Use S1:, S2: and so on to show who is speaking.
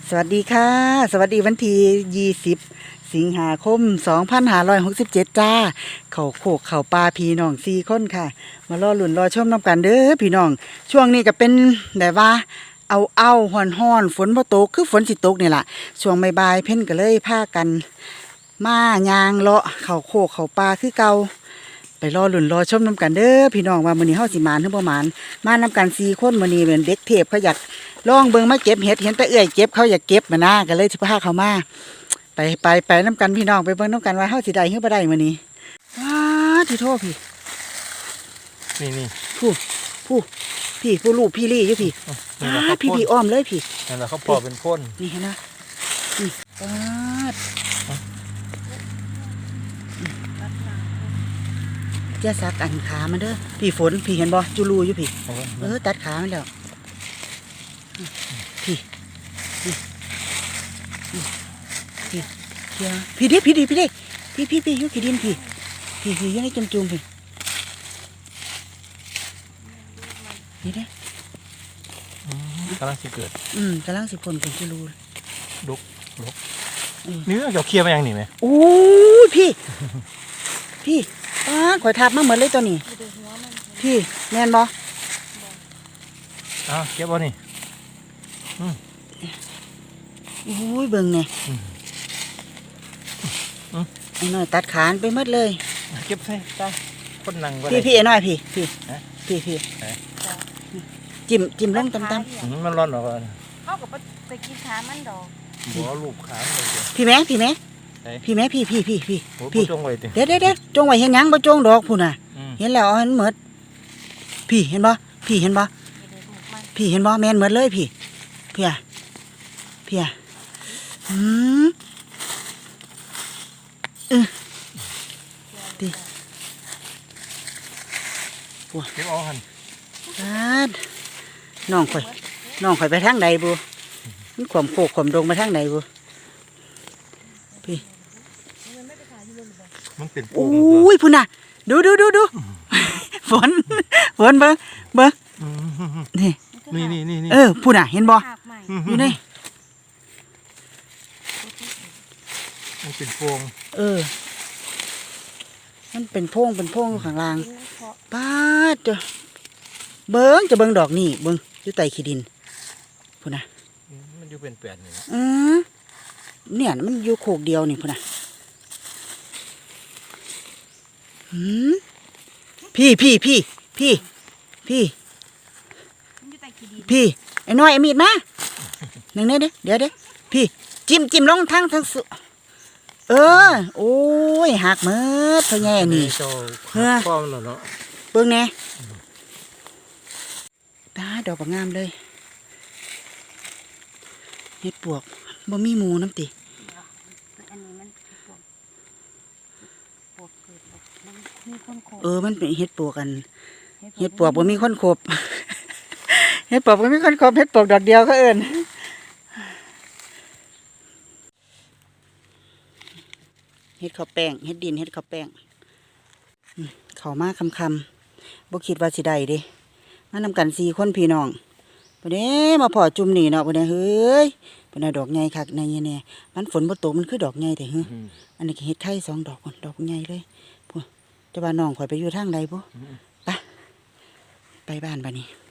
S1: สวัสดีค่ะสวัสดีวันที่20สิงหาคม2567จ้าเขาโขกเขาปลาพี่น้อง4คนค่ะมารอหลุนรอชมน้ำกันเด้อพี่น้องช่วงนี้ก็เป็นแบบว่าเอาฮ้อนฝนบ่ตกคือฝนสิตกนี่ล่ะช่วงบ่ายๆเพิ่นก็เลยพากันมายางเลาะเขาโขกเขาปลาคือเก่าไปรอหลุนรอชมน้ำกันเด้อพี่น้องว่ามื้อนี้เฮาสิหมานหรือบ่หมานมานํกัน4คนมื้อนี้เป็นเด็กเทพเขาอยากลองเบิ่งมาเก็บเห็ดเห็นแต่เอื้อยเก็บเขาอยากเก็บมานะก็เลยสิพาเขามาไปน้ำกันพี่น้องไปเบิ่งน้ำกันว่าเฮาสิได้หรือบ่ได้มื้อนี้ว้าที่โทษพี่
S2: นี่
S1: ผู้ลูกพี่ลี่อยู่พี่พี่อ้อมเลยพี่
S2: นั่นแหละเขาพอเป็นพ่น
S1: นี่เห็นนะนี่ว้าเจ้าสักอันขามันเด้อพี่ฝนพี่เห็นบ่จูรูอยู่พี่ตัดขามันแล้วพี่ดิพี่อยู่ขี้ดินพี่อยู่ในจุ่มพี่นี่เด้
S2: กำลังสิเกิด
S1: กำลังสิผลเป็นจูรู
S2: ลุกเนื้อเกี่ยวเคี่ยวไปยังนี่ไหม
S1: โอ้ยพี่ข่อยทับมาเหมือนเลยตัวนี้พี่แม่นบ่
S2: เก็บบ่นี่
S1: โอ้ยเบิ่งเนี่ยไอ้น้อยตัดขานไปหมดเลย
S2: เก็บใส่ได้คนนั่ง
S1: พี่ไอ้น้อยพี่จิ้มลงตำ
S2: มันร้อนหรอ
S3: เขากับไปกินขามันดอก
S2: หัวลูกขาเลย
S1: พี่แม่พี่
S2: จงไว้ติ
S1: เด็ดจงไว้เห็นยังบ่จงดอกพุ่นน่ะเห็นแล้วเห็นหมดพี่เห็นบ่แม่นหมดเลยพี่ดิ
S2: เก็บเอาหัน
S1: น้องข่อยไปทางใดบุมันขวมโคกขวมดงมาทางใดบุพี่
S2: มันเป็น
S1: โอ้ยพุ่นน่ะดูฝนเบิ่งนี่พุ่นน่ะเห็นบ่อยู่นี่
S2: มันเป็นโพง
S1: มันเป็นโพงข้างล่างป้าจะเบิ่งดอกนี่เบิ่งอยู่ใต้ขี้ดินพุ่นน่ะ
S2: มันอยู่เป็นแปดนี่
S1: เนี่ยมันอยู่โคกเดียวนี่พุ่นน่ะพี่ไอ้น้อยไอ้มีดมาหนึ่งเดี๋ยวพี่จิ้มลงทั้งสุโอ้ยหักเมื่อเท่าไงนี่
S2: พ่อมันเนาะ
S1: เบิ่งแน่ตาดอกงามเลยเห็ดปวกบ่มีหมูน้ำติมันเป็นเห็ดปวกกันเห็ดปวกบ่มีคนขบเห็ดปวกบ่มีคนขบเห็ดปวกดอกเดียวก็เอิ้นเห็ดข้าวแป้งเห็ดดินเห็ดข้าวแป้งเข้ามาคำบ่คิดว่าสิได้เด้มานำกัน4คนพี่น้องบ่ได้มาพอจุ่มนี่เนาะบ่ได้เฮ้ยบ่ได้ดอกใหญ่คักในแน่มันฝนบ่ตกมันคือดอกใหญ่แต่อันนี้เห็ดไทย2ดอกดอกใหญ่เลยจะว่าน้องข่อยไปอยู่ทางใดบ่ไปบ้านบัดนี้